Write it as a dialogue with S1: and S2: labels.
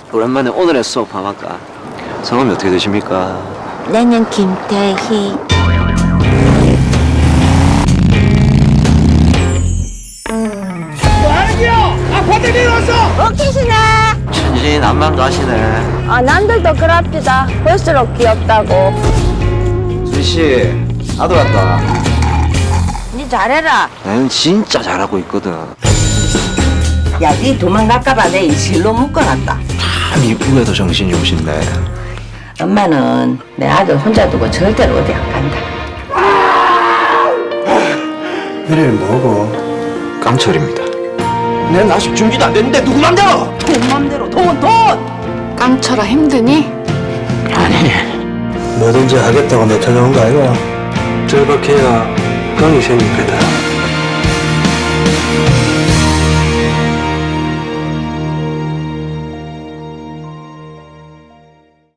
S1: 오랜만에 오늘의 수업 함할까? 성함이 어떻게 되십니까?
S2: 나는 김태희. 오케이시나?
S1: 천진 안만 가시네.
S2: 남들도 그럽디다. 볼수록 귀엽다고.
S1: 수희씨, 아들 왔다.
S2: 니 잘해라.
S1: 나는 진짜 잘하고 있거든.
S3: 야, 니 도망갈까봐 내 실로 묶어놨다.
S1: 참 이쁘게도 정신이 오신네.
S3: 엄마는 내 아들 혼자 두고 절대로 어디 안 간다.
S4: 이름이 뭐고?
S1: 깡철입니다.
S4: 내 아직 준비도 안 됐는데 누구 맘대로?
S3: 돈 맘대로 돈!
S5: 깡철아 힘드니?
S1: 아니,
S4: 뭐든지 하겠다고 나타나온 거 아이가? 절박해야 깡이 생길 거다.